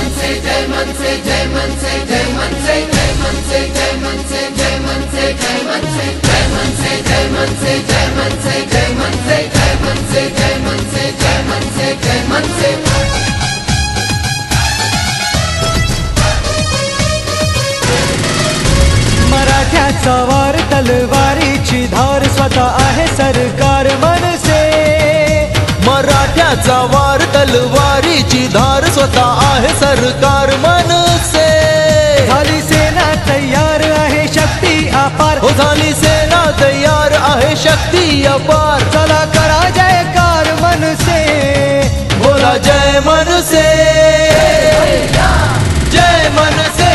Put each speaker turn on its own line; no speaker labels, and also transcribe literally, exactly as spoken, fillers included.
मनसे जय मनसे जय मनसे जय मनसे जय मनसे जय मनसे जय मनसे जय मनसे जय मनसे जय मनसे जय मनसे जय मनसे जय मनसे जय मनसे जय मनसे जय मनसे
मराठ्याचा वार तलवारीची धार स्वतः आहे सरकार मनसे
मराठ्याचा वार तलवारीची धार स्वतः आहे सरकार मनसे
झाली सेना तयार आहे शक्ती अपार
हो झाली सेना तयार आहे शक्ती अपार
चला करा जयकार मनसे
बोला जय मनसे जय मनसे